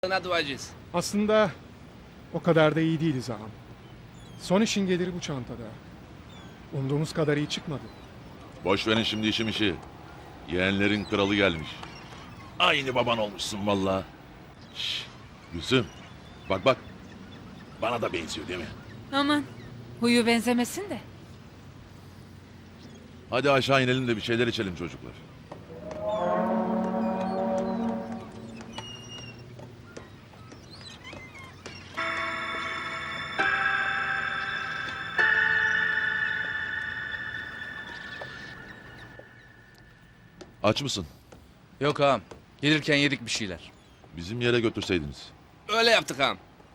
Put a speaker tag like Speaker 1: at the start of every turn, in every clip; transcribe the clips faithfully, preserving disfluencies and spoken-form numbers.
Speaker 1: duacıyız.
Speaker 2: Aslında o kadar da iyi değiliz ağam. Son işin geliri bu çantada. Umduğumuz kadar iyi çıkmadı.
Speaker 3: Boş verin şimdi işim işi. Yeğenlerin kralı gelmiş. Aynı baban olmuşsun vallahi. Şşş, Gülsüm. Bak bak. Bana da benziyor değil mi?
Speaker 4: Aman huyu benzemesin de.
Speaker 3: Hadi aşağı inelim de bir şeyler içelim çocuklar. Aç mısın?
Speaker 1: Yok ağam. Gelirken yedik bir şeyler.
Speaker 3: Bizim yere götürseydiniz.
Speaker 1: Öyle yaptık ağam.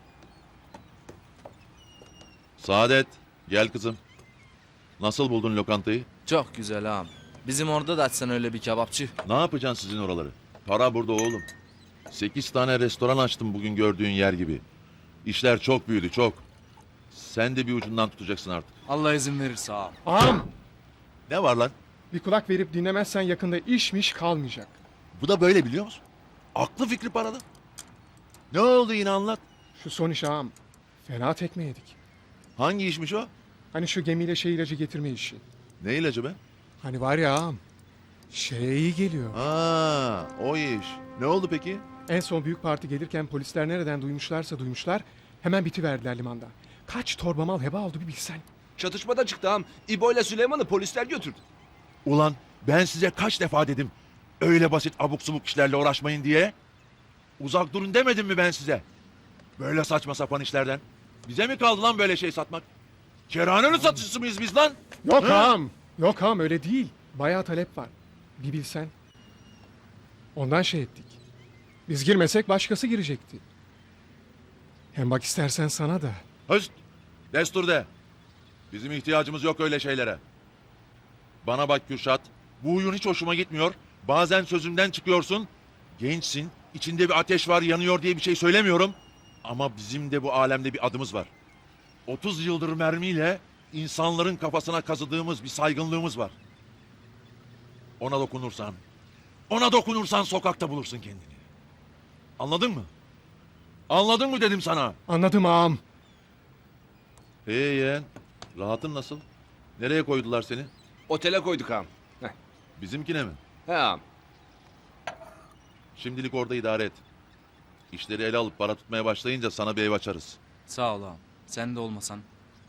Speaker 3: Saadet, gel kızım. Nasıl buldun lokantayı?
Speaker 5: Çok güzel ağam. Bizim orada da açsan öyle bir kebapçı.
Speaker 3: Ne yapacaksın sizin oraları? Para burada oğlum. Sekiz tane restoran açtım bugün gördüğün yer gibi. İşler çok büyüdü çok. Sen de bir ucundan tutacaksın artık.
Speaker 5: Allah izin verirse ağam.
Speaker 2: Ağam,
Speaker 3: Ne var lan?
Speaker 2: bir kulak verip dinlemezsen yakında işmiş kalmayacak.
Speaker 3: Bu da böyle biliyor musun? Aklı fikri parada. Ne oldu yine anlat.
Speaker 2: Şu son iş ağam. Fena tekme yedik.
Speaker 3: Hangi işmiş o?
Speaker 2: Hani şu gemiyle şey ilacı getirme işi.
Speaker 3: Ne ilacı be?
Speaker 2: Hani var ya ağam. Şeye iyi geliyor.
Speaker 3: Aa, o iş. Ne oldu peki?
Speaker 2: En son büyük parti gelirken polisler nereden duymuşlarsa duymuşlar. Hemen bitiverdiler limanda. Kaç torba mal heba oldu bir bilsen.
Speaker 1: Çatışmada çıktı ağam. İbo ile Süleyman'ı polisler götürdü.
Speaker 3: Ulan ben size kaç defa dedim. Öyle basit abuk subuk işlerle uğraşmayın diye. Uzak durun demedim mi ben size? Böyle saçma sapan işlerden. Bize mi kaldı lan böyle şey satmak? Kerhanenin satıcısı mıyız biz lan?
Speaker 2: Yok
Speaker 3: Hı?
Speaker 2: ağam. Yok ağam öyle değil. Bayağı talep var. Bir bilsen. Ondan şey ettik. Biz girmesek başkası girecekti. Hem bak istersen sana da.
Speaker 3: Höst! Destur de. Bizim ihtiyacımız yok öyle şeylere. Bana bak Kürşat. Bu huyun hiç hoşuma gitmiyor. Bazen sözümden çıkıyorsun. Gençsin. İçinde bir ateş var yanıyor diye bir şey söylemiyorum. Ama bizim de bu alemde bir adımız var. otuz yıldır mermiyle insanların kafasına kazıdığımız bir saygınlığımız var. Ona dokunursan, ona dokunursan sokakta bulursun kendini. Anladın mı? Anladın mı dedim sana.
Speaker 2: Anladım ağam.
Speaker 3: Ee yeğen, rahatın nasıl? Nereye koydular seni?
Speaker 1: Otele koyduk ağam. Heh.
Speaker 3: Bizimkine mi?
Speaker 1: He ağam.
Speaker 3: Şimdilik orada idare et. İşleri ele alıp para tutmaya başlayınca sana bir ev açarız.
Speaker 5: Sağ ol ağam. Sen de olmasan.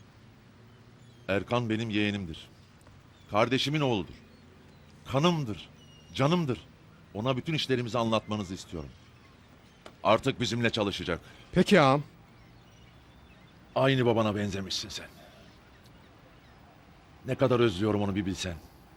Speaker 3: Erkan benim yeğenimdir. Kardeşimin oğludur. Kanımdır, canımdır. Ona bütün işlerimizi anlatmanızı istiyorum. Artık bizimle çalışacak.
Speaker 2: Peki ağam.
Speaker 3: Aynı babana benzemişsin sen. Ne kadar özlüyorum onu bir bilsen.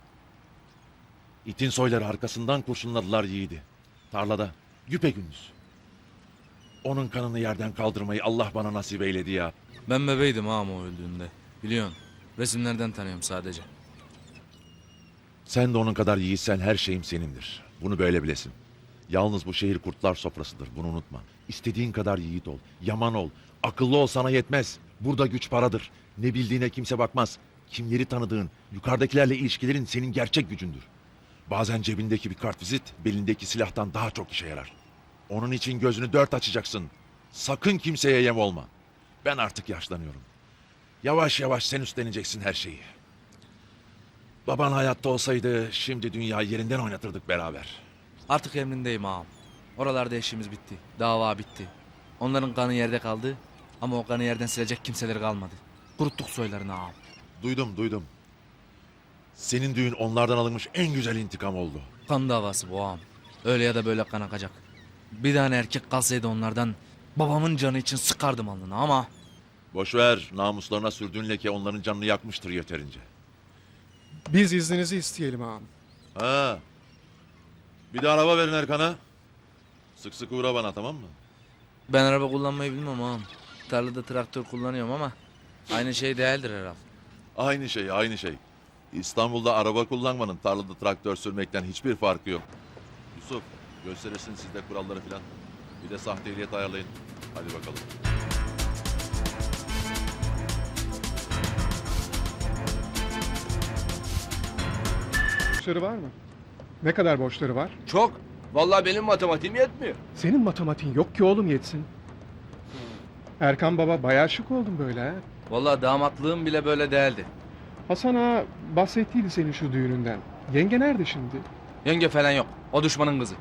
Speaker 3: İtin soyları arkasından kurşunladılar yiğidi. Tarlada, güpegündüz. Onun kanını yerden kaldırmayı Allah bana nasip eyledi ya.
Speaker 5: Ben bebeydim ağam o öldüğünde. Biliyorsun. Resimlerden tanıyorum sadece.
Speaker 3: Sen de onun kadar yiğitsen her şeyim senindir. Bunu böyle bilesin. Yalnız bu şehir kurtlar sofrasıdır. Bunu unutma. İstediğin kadar yiğit ol. Yaman ol. Akıllı ol sana yetmez. Burada güç paradır. Ne bildiğine kimse bakmaz. Kimleri tanıdığın, yukarıdakilerle ilişkilerin senin gerçek gücündür. Bazen cebindeki bir kartvizit belindeki silahtan daha çok işe yarar. Onun için gözünü dört açacaksın. Sakın kimseye yem olma. Ben artık yaşlanıyorum. Yavaş yavaş sen üstleneceksin her şeyi. Baban hayatta olsaydı şimdi dünyayı yerinden oynatırdık beraber.
Speaker 5: Artık emrindeyim ağam. Oralarda işimiz bitti. Dava bitti. Onların kanı yerde kaldı. Ama o kanı yerden silecek kimseleri kalmadı. Kuruttuk soylarını ağam.
Speaker 3: Duydum duydum. Senin düğün onlardan alınmış en güzel intikam oldu.
Speaker 5: Kan davası bu ağam. Öyle ya da böyle kan akacak. Bir tane erkek kalsaydı onlardan babamın canı için sıkardım alnına ama...
Speaker 3: Boş ver, namuslarına sürdüğün leke onların canını yakmıştır yeterince.
Speaker 2: Biz izninizi isteyelim ağam.
Speaker 3: Ha. Bir de araba verin Erkan'a. Sık sık uğra bana tamam mı?
Speaker 5: Ben araba kullanmayı bilmem ağam. Tarlada traktör kullanıyorum ama aynı şey değildir herhalde.
Speaker 3: Aynı şey, aynı şey. İstanbul'da araba kullanmanın tarlada traktör sürmekten hiçbir farkı yok. Yusuf, gösterirsin siz de kuralları filan. Bir de sahte ehliyet ayarlayın. Hadi bakalım.
Speaker 2: Borçları var mı? Ne kadar borçları var?
Speaker 1: Çok. Vallahi benim matematiğim yetmiyor.
Speaker 2: Senin matematiğin yok ki oğlum yetsin. Erkan baba bayağı şık oldun böyle ha.
Speaker 5: Vallahi damatlığım bile böyle değildi.
Speaker 2: Hasan ağa bahsettiydi senin şu düğününden. Yenge nerede şimdi?
Speaker 5: Yenge falan yok. O düşmanın kızı.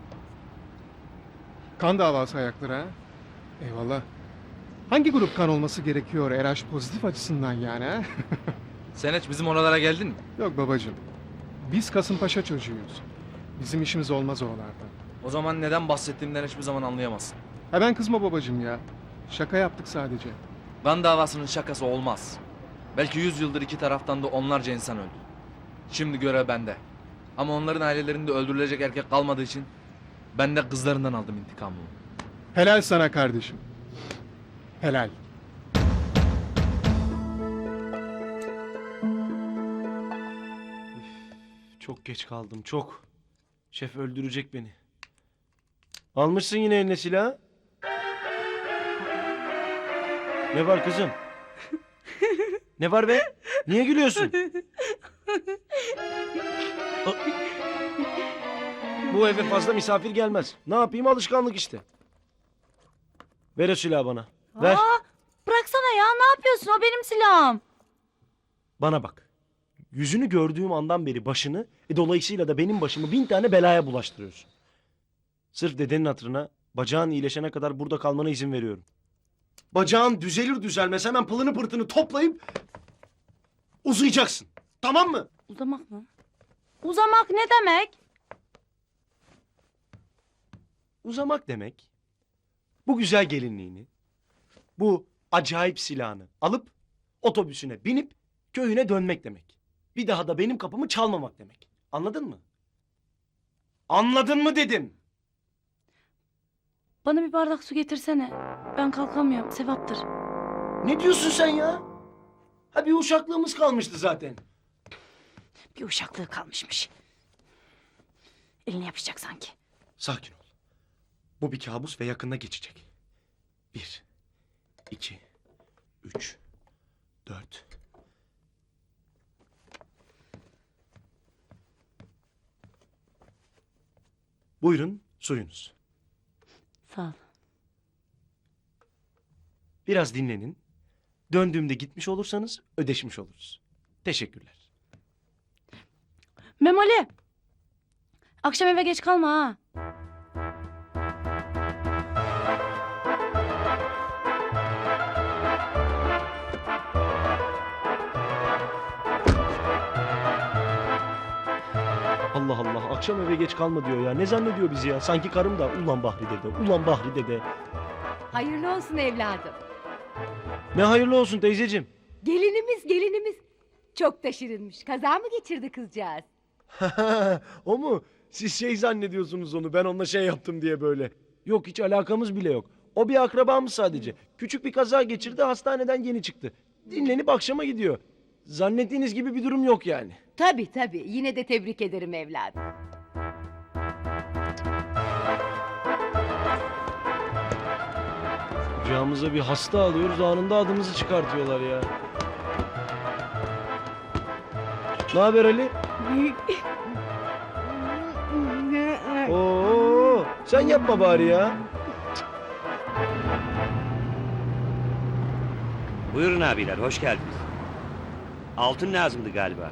Speaker 2: Kan davası ayakları ha. Eyvallah. Hangi grup kan olması gerekiyor R H pozitif açısından yani ha?
Speaker 5: Sen hiç bizim oralara geldin mi?
Speaker 2: Yok babacığım. Biz Kasımpaşa çocuğuyuz. Bizim işimiz olmaz oralarda.
Speaker 5: O zaman neden bahsettiğimden hiçbir zaman anlayamazsın.
Speaker 2: Hemen kızma babacığım ya. Şaka yaptık sadece.
Speaker 5: Kan davasının şakası olmaz. Belki yüz yıldır iki taraftan da onlarca insan öldü. Şimdi görev bende. Ama onların ailelerinde öldürülecek erkek kalmadığı için ben de kızlarından aldım intikamımı.
Speaker 2: Helal sana kardeşim. Helal.
Speaker 6: Çok geç kaldım, çok. Şef öldürecek beni. Almışsın yine eline silahı. Ne var kızım? Ne var be? Niye gülüyorsun? A- Bu eve fazla misafir gelmez. Ne yapayım, alışkanlık işte. Ver o silahı bana. Ver.
Speaker 7: Aa, bıraksana ya, ne yapıyorsun? O benim silahım.
Speaker 6: Bana bak. Yüzünü gördüğüm andan beri başını, e, dolayısıyla da benim başımı bin tane belaya bulaştırıyorsun. Sırf dedenin hatırına, bacağın iyileşene kadar burada kalmana izin veriyorum. Bacağın düzelir düzelmez hemen pılını pırtını toplayıp uzayacaksın. Tamam mı?
Speaker 7: Uzamak mı? Uzamak ne demek?
Speaker 6: Uzamak demek, bu güzel gelinliğini, bu acayip silahını alıp otobüsüne binip köyüne dönmek demek. Bir daha da benim kapımı çalmamak demek. Anladın mı? Anladın mı dedim.
Speaker 7: Bana bir bardak su getirsene. Ben kalkamıyorum, sevaptır.
Speaker 6: Ne diyorsun sen ya? Ha bir uşaklığımız kalmıştı zaten.
Speaker 7: Bir uşaklığı kalmışmış. Eline yapışacak sanki.
Speaker 6: Sakin ol. Bu bir kabus ve yakında geçecek. Bir, iki, üç, dört. Buyurun suyunuz.
Speaker 7: Sağ ol.
Speaker 6: Biraz dinlenin. Döndüğümde gitmiş olursanız ödeşmiş oluruz. Teşekkürler.
Speaker 7: Memoli! Akşam eve geç kalma ha.
Speaker 6: Allah Allah, akşam eve geç kalma diyor ya. Ne zannediyor bizi ya? Sanki karım da ulan Bahri dede, ulan Bahri dede.
Speaker 8: Hayırlı olsun evladım.
Speaker 6: Ne hayırlı olsun teyzeciğim.
Speaker 8: Gelinimiz gelinimiz. Çok da şirinmiş. Kaza mı geçirdi kızcağız?
Speaker 6: O mu? Siz şey zannediyorsunuz onu, ben onunla şey yaptım diye böyle. Yok, hiç alakamız bile yok. O bir akrabamız sadece. Küçük bir kaza geçirdi, hastaneden yeni çıktı. Dinlenip akşama gidiyor. Zannettiğiniz gibi bir durum yok yani.
Speaker 8: Tabii tabii. Yine de tebrik ederim evladım.
Speaker 6: Kucağımıza bir hasta alıyoruz, anında adımızı çıkartıyorlar ya. Ne haber Ali? Oo, sen yapma bari ya.
Speaker 9: Buyurun abiler, hoş geldiniz. Altın lazımdı galiba.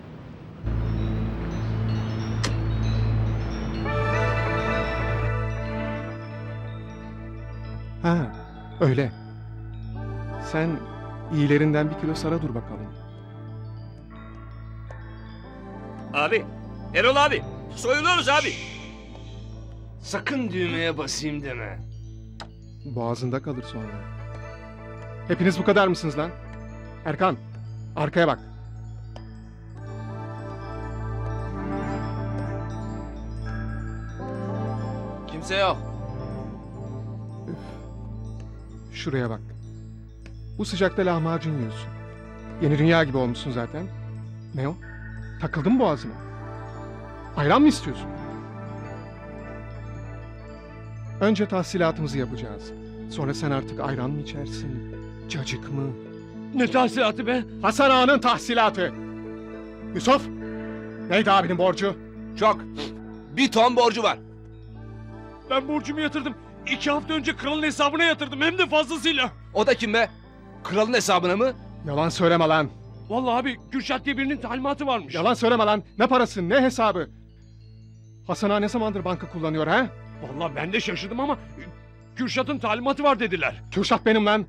Speaker 2: Ha, öyle. Sen iyilerinden bir kilo sara dur bakalım.
Speaker 1: Abi. Erol abi. Soyuluyoruz abi.
Speaker 10: Sakın düğmeye basayım deme.
Speaker 2: Boğazında kalır sonra. Hepiniz bu kadar mısınız lan? Erkan, arkaya bak.
Speaker 5: Kimse yok.
Speaker 2: Şuraya bak. Bu sıcakta lahmacun yiyorsun. Yeni dünya gibi olmuşsun zaten. Ne o? Takıldın mı boğazına? Ayran mı istiyorsun? Önce tahsilatımızı yapacağız. Sonra sen artık ayran mı içersin? Cacık mı?
Speaker 10: Ne tahsilatı be?
Speaker 2: Hasan Ağa'nın tahsilatı. Yusuf, neydi abinin borcu?
Speaker 1: Çok. Bir ton borcu var.
Speaker 10: Ben borcumu yatırdım. İki hafta önce kralın hesabına yatırdım hem de fazlasıyla.
Speaker 1: O da kim be? Kralın hesabına mı?
Speaker 2: Yalan söyleme lan.
Speaker 10: Vallahi abi Kürşat diye birinin talimatı varmış.
Speaker 2: Yalan söyleme lan. Ne parası ne hesabı? Hasan ağa ne zamandır banka kullanıyor ha?
Speaker 10: Vallahi ben de şaşırdım ama Kürşat'ın talimatı var dediler.
Speaker 2: Kürşat benim lan.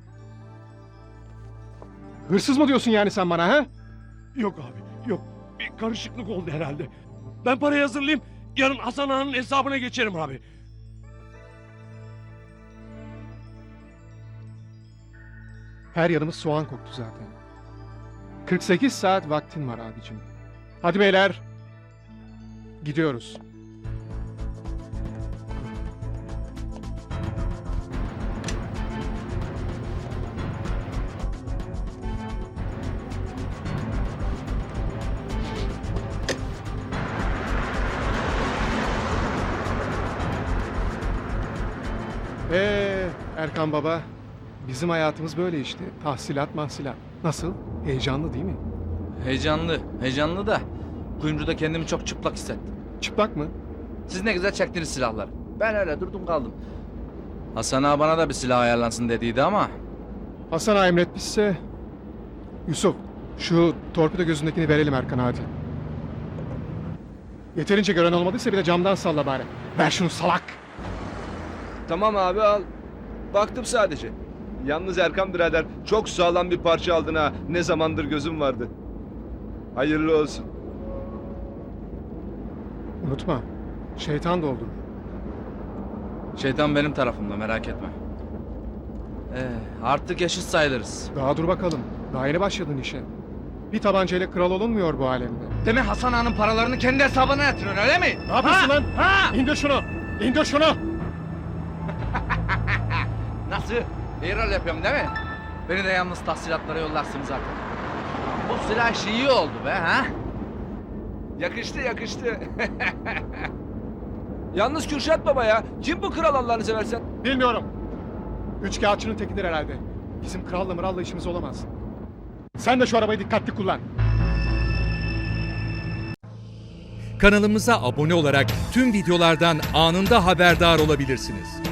Speaker 2: Hırsız mı diyorsun yani sen bana ha?
Speaker 10: Yok abi yok. Bir karışıklık oldu herhalde. Ben parayı hazırlayayım. Yarın Hasan Ağa'nın hesabına geçerim abi.
Speaker 2: Her yanımız soğan koktu zaten. kırk sekiz saat vaktin var abicim. Hadi beyler. Gidiyoruz. Ee, Erkan Baba, bizim hayatımız böyle işte. Tahsilat mahsilat. Nasıl? Heyecanlı değil mi?
Speaker 5: Heyecanlı, heyecanlı da kuyumcuda kendimi çok çıplak hissettim.
Speaker 2: Çıplak mı?
Speaker 5: Siz ne güzel çektiniz silahları. Ben öyle durdum kaldım. Hasan ağa bana da bir silah ayarlansın dediydi ama
Speaker 2: Hasan ağa emretmişse... Yusuf, şu torpido gözündekini verelim Erkan hadi. Yeterince gören olmadıysa bir de camdan salla bari. Ver şunu salak.
Speaker 1: Tamam abi al. Baktım sadece. Yalnız Erkan birader çok sağlam bir parça aldın ha. Ne zamandır gözüm vardı. Hayırlı olsun.
Speaker 2: Unutma, şeytan doldurur.
Speaker 5: şeytan benim tarafımda, merak etme. Ee, artık eşit sayılırız.
Speaker 2: Daha dur bakalım. Daha yeni başladın işe. Bir tabancayla kral olunmuyor bu alemde.
Speaker 5: Demek Hasan ağanın paralarını kendi hesabına yatırıyorsun öyle mi?
Speaker 2: Ne yapıyorsun lan?
Speaker 5: Ha!
Speaker 2: İndir şunu! İndir şunu!
Speaker 5: Nasıl? İyi rol yapıyorum değil mi? Beni de yalnız tahsilatlara yollarsınız zaten. Bu silah işi iyi oldu be ha?
Speaker 1: Yakıştı yakıştı. Yalnız Kürşat Baba ya. Kim bu kral Allah'ını seversen?
Speaker 2: Bilmiyorum. Üç kağıtçının tekidir herhalde. Bizim kralla mıralla işimiz olamaz. Sen de şu arabayı dikkatli kullan.
Speaker 11: Kanalımıza abone olarak tüm videolardan anında haberdar olabilirsiniz.